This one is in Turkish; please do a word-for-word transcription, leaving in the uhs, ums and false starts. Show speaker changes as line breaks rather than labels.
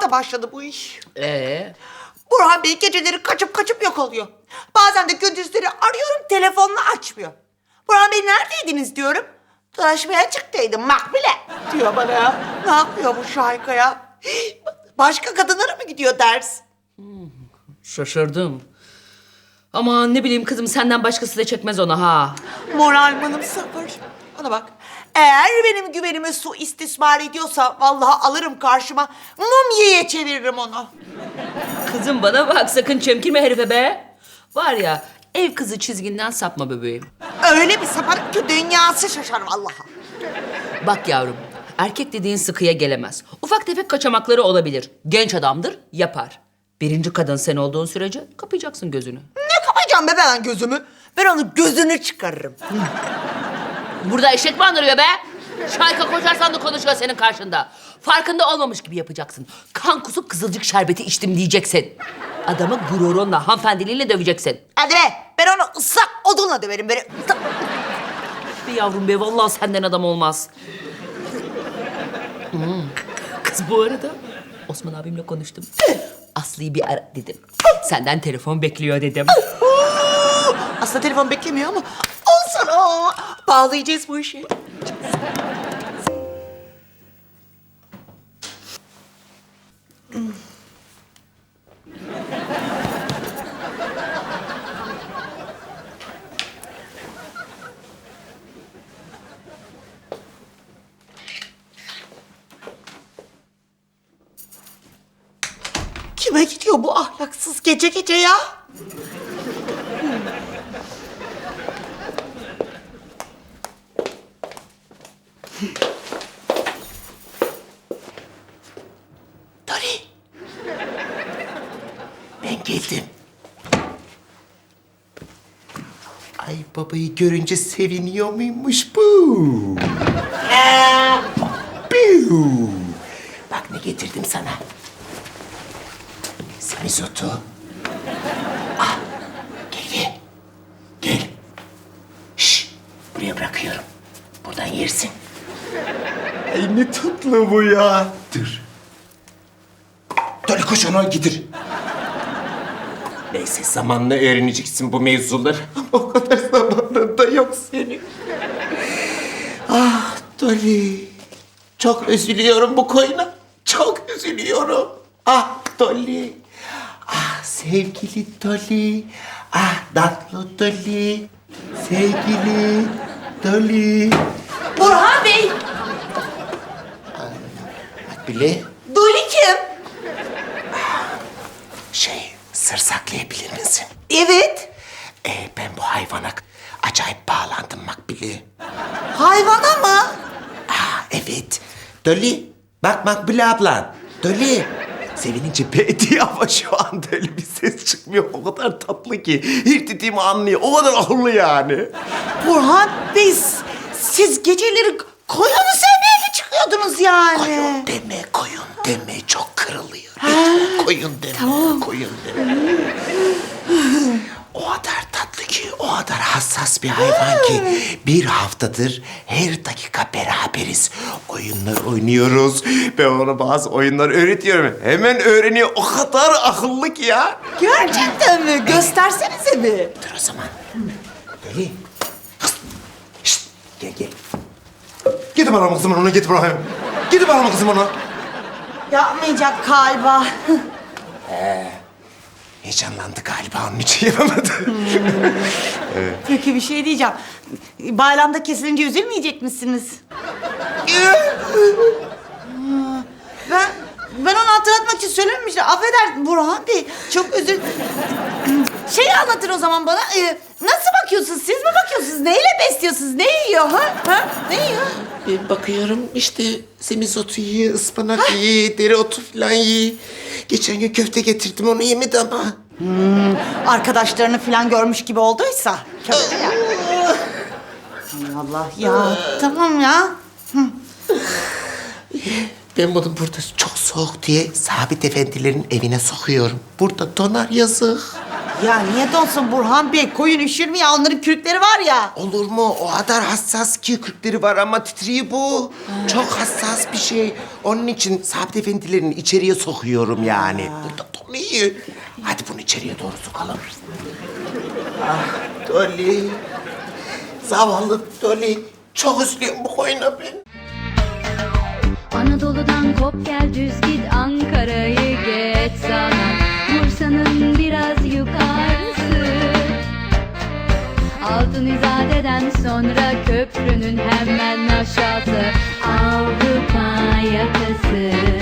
hafta başladı bu iş.
Ee?
Burhan Bey geceleri kaçıp kaçıp yok oluyor. Bazen de gündüzleri arıyorum, telefonunu açmıyor. Burhan Bey neredeydiniz diyorum. Dolaşmaya çıktıydım Makbule diyor bana ya. Ne yapıyor bu Şahika ya? Başka kadınlara mı gidiyor ders?
Şaşırdım. Ama ne bileyim kızım, senden başkası da çekmez ona ha.
Moralmanım sıfır. Bana bak. Eğer benim güvenimi su istismar ediyorsa vallahi alırım karşıma. Mumya'ya çeviririm onu.
Kızım bana bak, sakın çemkirme herife be. Var ya, ev kızı çizginden sapma bebeğim.
Öyle bir saparım ki dünyası şaşar vallahi.
Bak yavrum, erkek dediğin sıkıya gelemez. Ufak tefek kaçamakları olabilir. Genç adamdır, yapar. Birinci kadın sen olduğun sürece kapayacaksın gözünü.
Ne kapayacağım be ben gözümü? Ben onun gözünü çıkarırım.
Burada eşek mi andırıyor be? Şayka koşarsan da konuşuyor senin karşında. Farkında olmamış gibi yapacaksın. Kan kusup kızılcık şerbeti içtim diyeceksin. Adamı gururunla, hanımefendiliğiyle döveceksin.
Hadi be, ben onu ıslak odunla döverim böyle. ıslak-
Be yavrum be, vallahi senden adam olmaz. Hmm. Kız bu arada Osman abimle konuştum. Aslı'yı bir ara dedim. Senden telefon bekliyor dedim.
Aslında telefon beklemiyor ama olsun o. Bağlayacağız bu işi. Kime gidiyor bu ahlaksız gece gece ya? Dori. Ben geldim. Ay babayı görünce seviniyor muymuş bu? Piu. Bak ne getirdim sana. Semizotu. Ah, gel gel. Gel. Şş, buraya bırakıyorum. Buradan yersin. Ay ne tatlı bu ya. Dur. Doli koş onu getir. Neyse zamanla öğreneceksin bu mevzuları. Ama o kadar zamanın da yok senin. Ah Doli. Çok üzülüyorum bu koyuna. Çok üzülüyorum. Ah Doli. Ah sevgili Doli. Ah tatlı Doli. Sevgili Doli.
Burhan Bey,
Bile
Doli kim?
şey sır saklayabilir misin?
Evet.
Ee, ben bu hayvana acayip bağlandım Makbule.
Hayvana mı?
Aa, evet. Dolly, bak Makbule ablan. Dolly. Sevinince be diye ama şu anda öyle bir ses çıkmıyor. O kadar tatlı ki. Her dediğimi anlıyor. O kadar akıllı yani.
Burhan Bey, s- siz geceleri koyunu sevmeye mi çıkıyordunuz yani?
Koyun deme, koyun deme. Çok kırılıyor. Lütfen koyun deme, koyun deme. O kadar tatlı ki, o kadar hassas bir hayvan ki bir haftadır her dakika beraberiz. Oyunlar oynuyoruz. Ben ona bazı oyunlar öğretiyorum. Hemen öğreniyor. O kadar akıllı ki ya.
Gerçekten mi? Göstersenize bir.
Dur o zaman. Deli. Hıst. Şşt. Gel gel. Gidip alalım kızım onu, gidip alalım. Gidip alalım kızım onu.
Yapmayacak galiba.
Heyecanlandı galiba, onun için yapamadı.
Peki bir şey diyeceğim. Bayramda kesilince üzülmeyecek misiniz? Ben ben onu hatırlatmak için söylememiştim. Affeder Burhan Bey. Çok özür... Şeyi anlatır o zaman bana. Ee, nasıl bakıyorsunuz? Siz mi bakıyorsunuz? Neyle besliyorsunuz? Ne yiyor ha? Ha? Ne yiyor?
Ben bakıyorum işte semizotu yiyor, ıspanak yiyor, dereotu falan yiyor. Geçen gün köfte getirdim, onu yemedi ama.
Arkadaşlarını falan görmüş gibi olduysa. Köfte ya. Allah ya. Tamam ya.
Ben bunu burada çok soğuk diye Sabit Efendilerin evine sokuyorum. Burada donar yazık.
Ya niye donsun Burhan Bey? Koyun üşür mü ya? Onların kürkleri var ya.
Olur mu? O kadar hassas ki kırkları var ama titriği bu. Çok hassas bir şey. Onun için Sabit Efendilerini içeriye sokuyorum yani. Burada Dolly iyi. Hadi bunu içeriye doğru sokalım. Ah Dolly. Zavallı Dolly. Çok üzülüyorum bu koyuna ben.
Anadolu'dan kop gel düz git Ankara'yı geç sana Bursa'nın biraz yukarısı Altın İzade'den sonra köprünün hemen aşağısı Avrupa yakası